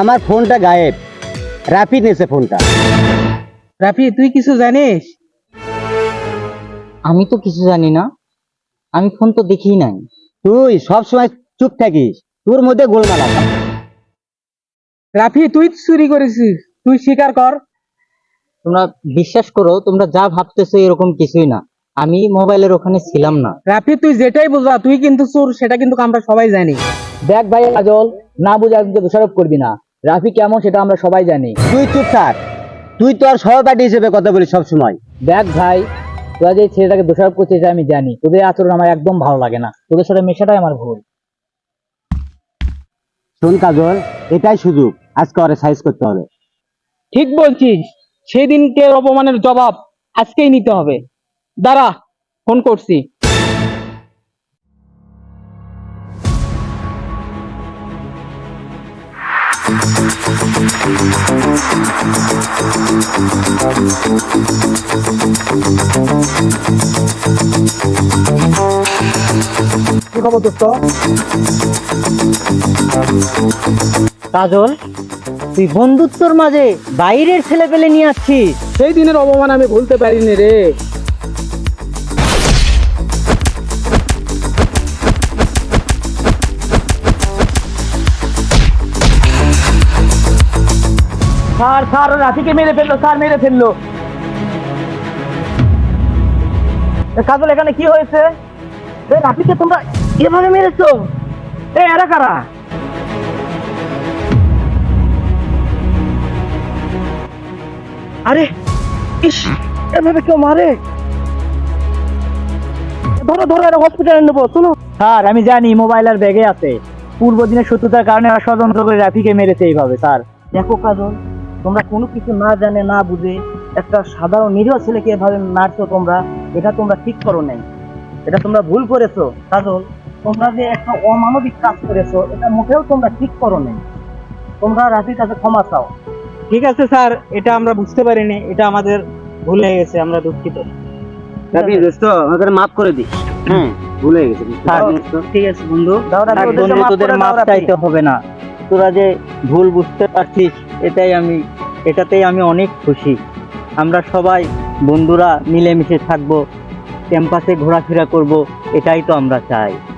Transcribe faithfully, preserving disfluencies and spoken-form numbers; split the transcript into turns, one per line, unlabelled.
আমার ফোনটা গায়েব, রাফি নিয়েছে ফোনটা।
রাফি তুই কিছু জানিস?
আমি তো কিছু জানি না, আমি ফোন তো দেখি নাই।
তুই সব সময় চুপ থাকিস, তোর মধ্যে গোলমাল আছে।
রাফি তুই চুরি করেছিস, তুই স্বীকার কর।
তোমরা বিশ্বাস করো, তোমরা যা ভাবতেছো এরকম কিছুই না, আমি মোবাইলের ওখানে ছিলাম না।
রাফি তুই যেটাই বুঝা, তুই কিন্তু চোর, সেটা কিন্তু আমরা সবাই জানি।
দেখ ভাই কাজল, না বুঝে একজনকে দোষারোপ করবি না। রাফি কেমন সেটা আমরা সবাই জানি।
তুই চুপ থাক, তুই তো আর সহপাঠী হিসেবে কথা বলিস সব সময়।
দেখ ভাই, তোরা যে ছেলেটাকে দোষারোপ করছিস এটা আমি জানি। তোদের আচরণ আমার একদম ভালো লাগে না, তোদের সাথে মেশাটাই আমার ভুল।
শোন কাজল, এটাই সুযোগ, আজকে ওরে সাইজ করতে হবে।
ঠিক বলছিস, সেদিনকে অপমানের জবাব আজকেই নিতে হবে। দাঁড়া, ফোন করছি।
কি খবর দোস্ত?
কাজল, তুই বন্ধুত্বর মাঝে বাইরের ছেলে পেলে নিয়ে আসছিস।
সেই দিনের অপমান আমি ভুলতে পারিনি রে।
স্যার স্যার ও রাফিকে মেরে ফেললো, স্যার মেরে ফেললো। এ কাজল, এখানে কি হয়েছে? এ রাফিকে তোমরা এভাবে মেরেছো? এ এরা কারা? আরে ইস, এভাবে কেউ মারে? ধরো ধরো, এরা হসপিটালে নেবো, শোনো। স্যার আমি জানি মোবাইল আর ব্যাগে আছে, পূর্ব দিনের শত্রুতার কারণে ওরা ষড়যন্ত্র করে রাফিকে মেরেছে এইভাবে। স্যার দেখো কাজল, তোমরা কোনো কিছু না জানে না বুঝে একটা সাধারণ নিরীহ ছেলেকে এভাবে মারছো তোমরা, এটা তোমরা ঠিক করো নাই, এটা তোমরা ভুল করেছো। কাজল, তোমরা যে একটা অমানবিক কাজ করেছো, এটা মোটেও তোমরা ঠিক করো নাই। তোমরা রাফির কাছে ক্ষমা চাও।
ঠিক আছে স্যার, এটা আমরা বুঝতে পারিনি, এটা আমাদের ভুল হয়ে গেছে, আমরা দুঃখিত।
রাফি দোস্ত, আমাকে মাফ করে দিস। হ্যাঁ, ভুলে গেছি।
ঠিক আছে বন্ধু,
দাও রাফি,
থাক
ওদেরকে
বন্ধু,
মাফ
তোদের
করে দাও
মাপ
রাফি।
চাইতে হবে না। তোরা যে ভুল বুঝতে পারছিস, এটাই আমি এটাতেই আমি অনেক খুশি। আমরা সবাই বন্ধুরা মিলেমিশে থাকবো, ক্যাম্পাসে ঘোরাফেরা করব, এটাই তো আমরা চাই।